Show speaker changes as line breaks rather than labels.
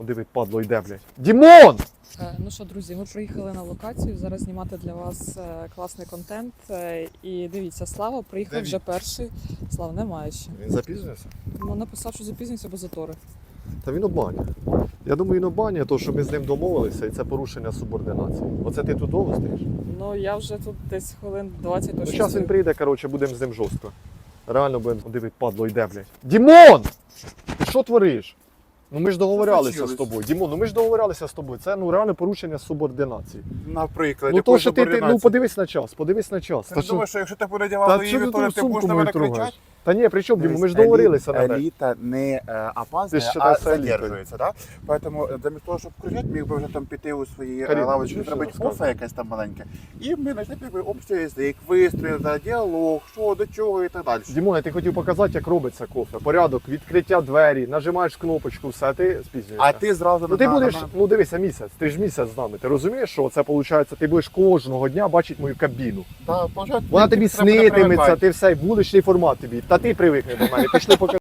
Диви, падло, йде, блядь. Дімон!
Ну що, друзі, ми приїхали на локацію зараз знімати для вас класний контент. І дивіться, Слава приїхав вже перший. Слава, немає ще.
Він запізнився?
Ну, написав, що запізнився, бо затори.
Та він обманює. Я думаю, він обманює, тому що ми з ним домовилися, і це порушення субординації. Оце ти тут довго стоїш?
Ну, я вже тут десь хвилин 20
Ну,
точно.
зараз він прийде, коротше, будемо з ним жорстко. Реально будемо, диви, падло, йде, блядь. Дімон! Ти що твориш? Ну ми ж договорялися з тобою. Дімон, ну ми ж договорялися з тобою. Це реально порушення субординації.
Наприклад,
Ну то, що ти подивись на час, подивись на час.
Ти
Та
ж думаєш, що якщо ти буде
Та
дівати
що
її,
ти
то
ту
ти будеш
сумку
на
мою
мене
трогаєш?
кричати?
Та ні, при чому, Дімон, ми ж договорилися на те.
Еліта не опаздує,
Ти
а
считаєш елітою.
задержується, да? Поэтому замість того, щоб кричати, міг би вже там піти у свої
Каріна,
лавочки,
чуєш,
зробити
що я
кофе якесь там маленьке. І ми знайшли якби общий язик, вистріли, діалог, що, до чого і так далі.
Дімон, я ти хотів показати, як робиться кофе. Порядок, відкриття двері, нажимаєш кнопочку, все, а ти спізнюєшся.
А ти зразу
Ну ти будеш, ну дивися, місяць, ти ж місяць з нами. Ти розумієш, що це виходить, ти будеш кожного дня бачити мою кабіну.
Та,
Вона тобі
треба
снитиметься,
привикати.
ти все, вуличний формат тобі. Та ти привикни до мене, пішли покажи.